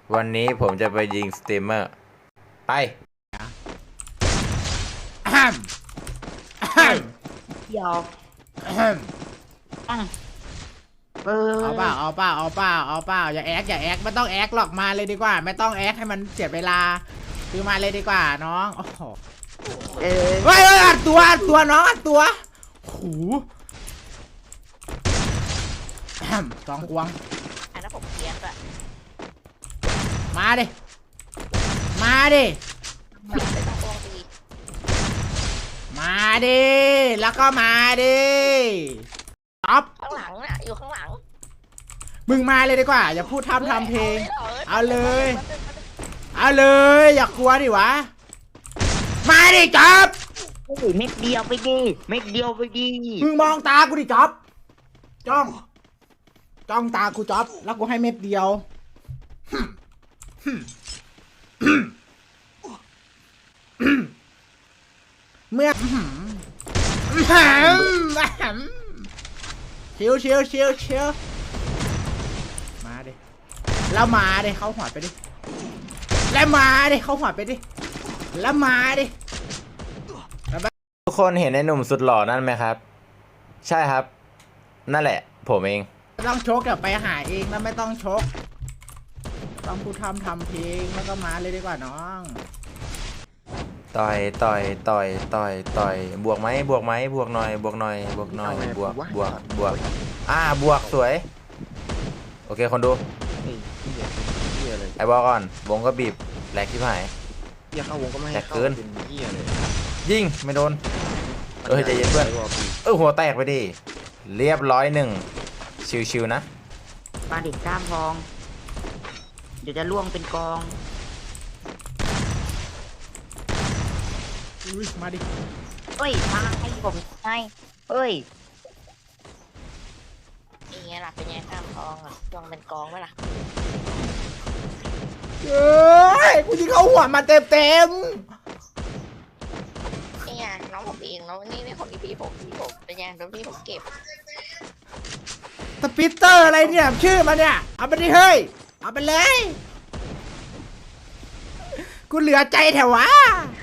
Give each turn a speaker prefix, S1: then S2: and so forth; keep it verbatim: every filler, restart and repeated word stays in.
S1: วันนี้ผมจะไปยิงสตรีมเมอร์ไป
S2: เดี๋ยวเออ
S3: เอาเปล่าเอาเปล่าเอาเปล่าเอาเปล่าอย่าแอคอย่าแอคไม่ต้องแอคหรอกมาเลยดีกว่า ไม่ต้องแอคให้มันเสียเวลาคือมาเลยดีกว่าน้องโอ้โห
S2: เออ
S3: เฮ้ยเฮ้ยอัดตัวอัดตัวน้องอัดตัวหูสองควง
S2: อันนั้นผมเลี้ยงอะ
S3: มาดิมาดิ
S2: ไม่ต้องโกงดี
S3: มาดิแล้วก็มาดิอ๊อฟ
S2: ข้างหลังน่ะอยู่ข้างหลัง
S3: มึงมาเลยดีกว่าอย่าพูดทำทำเพลงเอาเลยเอาเลยอย่ากลัวดิวะมาดิจ๊อบ
S2: โอ้ยเม็ดเดียวไปดิเม็ดเดียวไปดิ
S3: มึงมองตากูดิจ๊อบจ้องจ้องตากูจ๊อบแล้วกูให้เม็ดเดียวเมื่อชิวชิวชิวชิวมาดิแล้วมาดิเข้าหัวไปดิแล้วมาดิเข้าหัวไปดิแล้วมาดิ
S1: ทุกคนเห็นไอ้หนุ่มสุดหล่อนั่นไหมครับ ใช่ครับ นั่นแหละ ผมเอง
S3: ไม่ต้องชกเดี๋ยวไปหาเองแล้วไม่ต้องชกต้องพูดทำทำเพลงแล้วก็มาเลยดีกว่าน้อง
S1: ต่อยต่อยต่อยต่อยต่อยบวกไหมบวกไหมบวกหน่อยบวกหน่อยบวกหน่อยบวกบวกบวกอ่าบวกสวยโอเคคนดูไอ้บอกก่อนวงก็บีบแหลกที่หาย
S4: เฮียเข้าวงก็ไม่ให้
S1: แตก
S4: เข้า
S1: เกิน
S4: เป็นเฮียเลย
S1: ยิงไม่โดนเออใจเย็นเพื่อนเออหัวแตกไปดิเรียบร้อยหนึ่งชิวๆนะ
S2: ปลาดิบกล้ามทอง เดี๋ยวจะล่วงเป็นกอง
S3: อุ้ยมาดิ
S2: เฮ้ยมาให้ผมให้เฮ้ยอย่างเงี้ยล่ะเป็นไงกล้ามทองอ่ะล่วงเป็นกองไหมล่ะ
S3: เอ้ยกูยิงเข้าหัวมาเต็มเต็ม
S2: นี่ไงน้องผมเองน้องนี่นี่ของพี่ผมพี่ผมเป็นไงโดนพี่ผมเก็บ
S3: สปิตเตอร์อะไรเนี่ยชื่อมันเนี่ยเอาไปดิเฮ้ยเอาไปเลยกูเหลือใจแถววะ